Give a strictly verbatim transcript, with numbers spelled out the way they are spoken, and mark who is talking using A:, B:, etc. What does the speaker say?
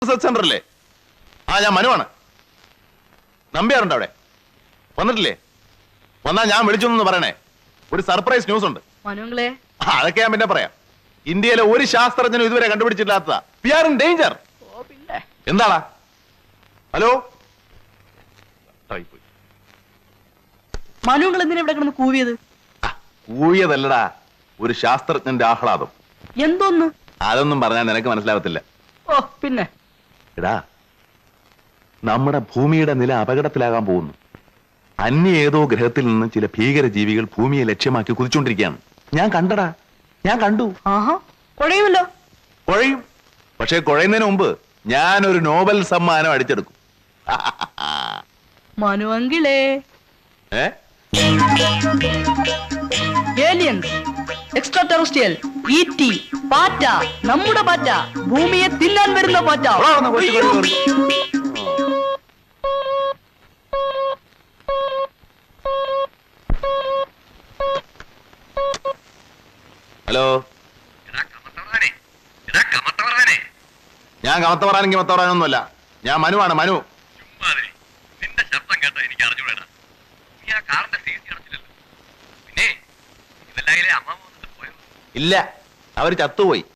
A: Research സെന്ററല്ലേ? ആ ഞാൻ മനുവാണ്. നമ്പ്യാറുണ്ട് അവിടെ? വന്നിട്ടില്ലേ? വന്നാ ഞാൻ വിളിച്ചൊന്നു പറയണേ. ഒരു സർപ്രൈസ് ന്യൂസ് ഉണ്ട്.
B: മനുങ്ങളെ
A: അതൊക്കെ ഞാൻ പിന്നെ പറയാം. ഇന്ത്യയിലെ ഒരു ശാസ്ത്രജ്ഞനും ഇതുവരെ കണ്ടുപിടിച്ചിട്ടില്ലാത്തതാ. We are in danger. എന്താടാ? ഹലോ,
B: മനുങ്ങൾ എന്തിനാ ഇവിടെ കിടന്ന് കൂവിയത്?
A: കൂവിയതല്ലടാ, ഒരു ശാസ്ത്രജ്ഞന്റെ ആഹ്ലാദം.
B: എന്തോന്ന്?
A: അതൊന്നും പറഞ്ഞാൽ നിനക്ക് മനസ്സിലാവത്തില്ല.
B: ഓ പിന്നെ
A: എടാ, നമ്മുടെ ഭൂമിയുടെ നില അപകടത്തിലാകാൻ പോകുന്നു. അന്യ ഏതോ ഗ്രഹത്തിൽ നിന്ന് ചില ഭീകര ജീവികൾ ഭൂമിയെ ലക്ഷ്യമാക്കി കുതിച്ചുകൊണ്ടിരിക്കുകയാണ്. ഞാൻ കണ്ടടാ, ഞാൻ കണ്ടു.
B: ആഹാ, കുഴയുമല്ലോ.
A: കുഴയും. പക്ഷെ കുഴയുന്നതിന് മുമ്പ് ഞാനൊരു നോബൽ സമ്മാനം അടിച്ചെടുക്കും.
B: മനുവെങ്കിലേ
A: ഏ
B: ഏലിയൻസ്, എക്സ്ട്രാ ടെറസ്ട്രിയൽ, ഈറ്റി, പാറ്റ, നമ്മുടെ പാറ്റ, ഭൂമിയെ തിന്നാൻ വരുന്ന പാറ്റ.
A: ഹലോ, ഞാൻ കമത്ത പറയാനെങ്കിൽ മത്ത പറയാനൊന്നുമല്ല. ഞാൻ മനുവാണ്, മനു.
C: നിന്റെ ശബ്ദം കേട്ടാ എനിക്ക് അറിഞ്ഞൂടാ. നീ ആ കാറിന്റെ സീറ്റ് അടച്ചില്ലല്ലോ. പിന്നെ ഇതെല്ലാം അമ്മ വന്നിട്ട് പോയോ?
A: ഇല്ല, അവര് ചത്തുപോയി.